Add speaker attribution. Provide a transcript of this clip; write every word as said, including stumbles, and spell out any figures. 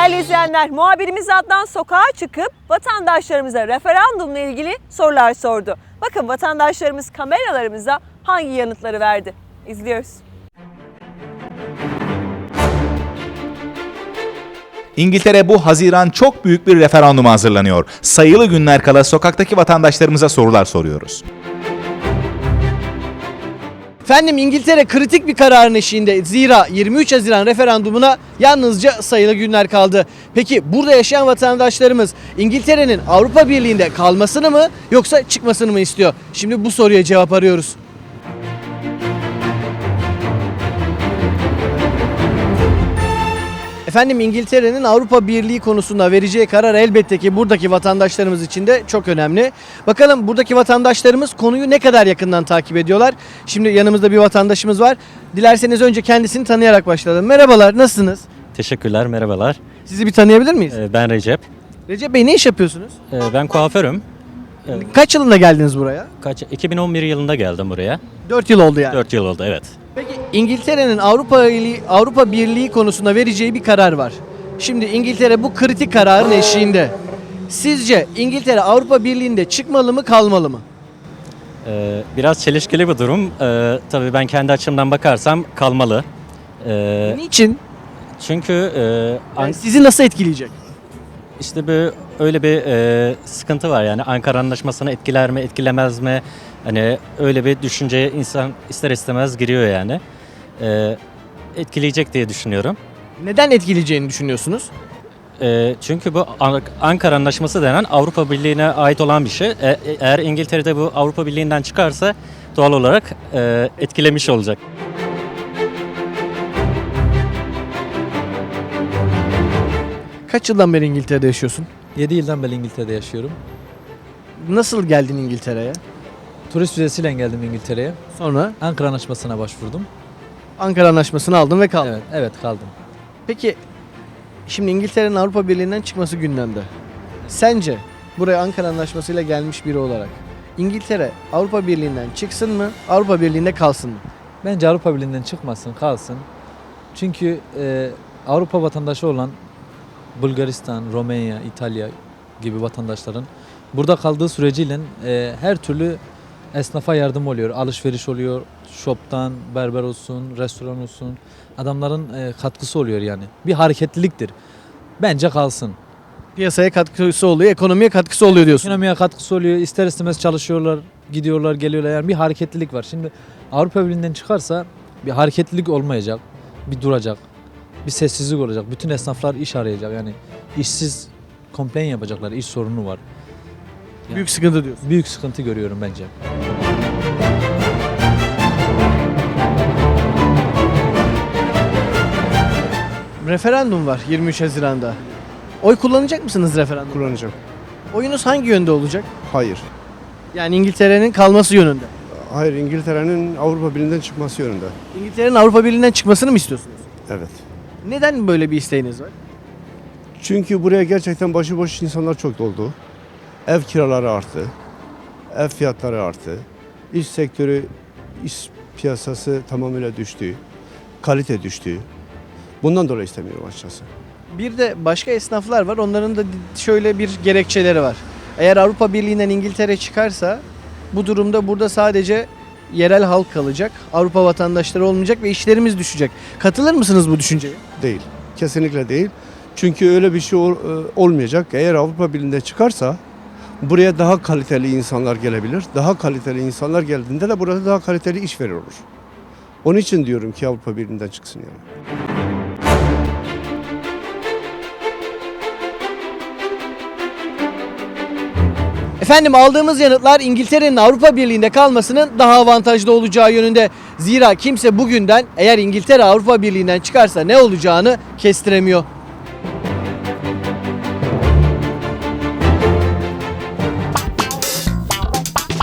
Speaker 1: Değerli izleyenler, muhabirimiz Adnan sokağa çıkıp vatandaşlarımıza referandumla ilgili sorular sordu. Bakın vatandaşlarımız kameralarımıza hangi yanıtları verdi? İzliyoruz.
Speaker 2: İngiltere bu Haziran çok büyük bir referanduma hazırlanıyor. Sayılı günler kala sokaktaki vatandaşlarımıza sorular soruyoruz.
Speaker 3: Efendim İngiltere kritik bir kararın eşiğinde. Zira yirmi üç Haziran referandumuna yalnızca sayılı günler kaldı. Peki burada yaşayan vatandaşlarımız İngiltere'nin Avrupa Birliği'nde kalmasını mı yoksa çıkmasını mı istiyor? Şimdi bu soruya cevap arıyoruz. Efendim İngiltere'nin Avrupa Birliği konusunda vereceği karar elbette ki buradaki vatandaşlarımız için de çok önemli. Bakalım buradaki vatandaşlarımız konuyu ne kadar yakından takip ediyorlar? Şimdi yanımızda bir vatandaşımız var. Dilerseniz önce kendisini tanıyarak başlayalım. Merhabalar, nasılsınız?
Speaker 4: Teşekkürler, merhabalar.
Speaker 3: Sizi bir tanıyabilir miyiz?
Speaker 4: Ee, Ben Recep.
Speaker 3: Recep Bey, ne iş yapıyorsunuz?
Speaker 4: Ee, Ben kuaförüm. Ee,
Speaker 3: Kaç yılında geldiniz buraya?
Speaker 4: Kaç? iki bin on bir yılında geldim buraya.
Speaker 3: dört yıl oldu yani.
Speaker 4: dört yıl oldu, evet.
Speaker 3: Peki İngiltere'nin Avrupa Birliği, Avrupa Birliği konusunda vereceği bir karar var. Şimdi İngiltere bu kritik kararın eşiğinde. Sizce İngiltere Avrupa Birliği'nde çıkmalı mı, kalmalı mı?
Speaker 4: Ee, Biraz çelişkili bir durum. Ee, tabii ben kendi açımdan bakarsam kalmalı. Ee,
Speaker 3: Niçin?
Speaker 4: Çünkü e, An-
Speaker 3: Yani sizi nasıl etkileyecek?
Speaker 4: işte bir öyle bir e, sıkıntı var yani Ankara Anlaşması'nı etkiler mi, etkilemez mi? Hani öyle bir düşünceye insan ister istemez giriyor yani. Ee, Etkileyecek diye düşünüyorum.
Speaker 3: Neden etkileyeceğini düşünüyorsunuz?
Speaker 4: E, çünkü bu An- Ankara Anlaşması denen Avrupa Birliği'ne ait olan bir şey. E- eğer İngiltere'de bu Avrupa Birliği'nden çıkarsa doğal olarak e, etkilemiş olacak.
Speaker 3: Kaç yıldan beri İngiltere'de yaşıyorsun?
Speaker 5: yedi yıldan beri İngiltere'de yaşıyorum.
Speaker 3: Nasıl geldin İngiltere'ye?
Speaker 5: Turist vizesiyle geldim İngiltere'ye.
Speaker 3: Sonra
Speaker 5: Ankara Anlaşması'na başvurdum.
Speaker 3: Ankara Anlaşması'nı aldın ve kaldın.
Speaker 5: Evet, evet kaldım.
Speaker 3: Peki şimdi İngiltere'nin Avrupa Birliği'nden çıkması gündemde. Sence buraya Ankara Anlaşması'yla gelmiş biri olarak İngiltere Avrupa Birliği'nden çıksın mı, Avrupa Birliği'nde kalsın mı?
Speaker 5: Bence Avrupa Birliği'nden çıkmasın, kalsın. Çünkü e, Avrupa vatandaşı olan Bulgaristan, Romanya, İtalya gibi vatandaşların burada kaldığı süreciyle e, her türlü esnafa yardım oluyor. Alışveriş oluyor, shop'tan, berber olsun, restoran olsun. Adamların e, katkısı oluyor yani. Bir hareketliliktir. Bence kalsın.
Speaker 3: Piyasaya katkısı oluyor, ekonomiye katkısı oluyor diyorsun.
Speaker 5: Ekonomiye katkısı oluyor. İster istemez çalışıyorlar, gidiyorlar, geliyorlar. Yani bir hareketlilik var. Şimdi Avrupa Birliği'nden çıkarsa bir hareketlilik olmayacak. Bir duracak. Bir sessizlik olacak. Bütün esnaflar iş arayacak. Yani işsiz complain yapacaklar. İş sorunu var.
Speaker 3: Büyük sıkıntı diyorsun.
Speaker 5: Büyük sıkıntı görüyorum bence.
Speaker 3: Referandum var yirmi üç Haziran'da. Oy kullanacak mısınız referandumda?
Speaker 6: Kullanacağım.
Speaker 3: Oyunuz hangi yönde olacak?
Speaker 6: Hayır.
Speaker 3: Yani İngiltere'nin kalması yönünde.
Speaker 6: Hayır, İngiltere'nin Avrupa Birliği'nden çıkması yönünde.
Speaker 3: İngiltere'nin Avrupa Birliği'nden çıkmasını mı istiyorsunuz?
Speaker 6: Evet.
Speaker 3: Neden böyle bir isteğiniz var?
Speaker 6: Çünkü buraya gerçekten başıboş insanlar çok doldu. Ev kiraları arttı. Ev fiyatları arttı. İş sektörü, iş piyasası tamamıyla düştü. Kalite düştü. Bundan dolayı istemiyorum açıkçası.
Speaker 3: Bir de başka esnaflar var. Onların da şöyle bir gerekçeleri var. Eğer Avrupa Birliği'nden İngiltere çıkarsa bu durumda burada sadece yerel halk kalacak. Avrupa vatandaşları olmayacak ve işlerimiz düşecek. Katılır mısınız bu düşünceye?
Speaker 6: Değil. Kesinlikle değil. Çünkü öyle bir şey ol- e, olmayacak. Eğer Avrupa Birliği'nde çıkarsa buraya daha kaliteli insanlar gelebilir. Daha kaliteli insanlar geldiğinde de burada daha kaliteli iş verir olur. Onun için diyorum ki Avrupa Birliği'nden çıksın yani.
Speaker 3: Efendim aldığımız yanıtlar İngiltere'nin Avrupa Birliği'nde kalmasının daha avantajlı olacağı yönünde. Zira kimse bugünden eğer İngiltere Avrupa Birliği'nden çıkarsa ne olacağını kestiremiyor.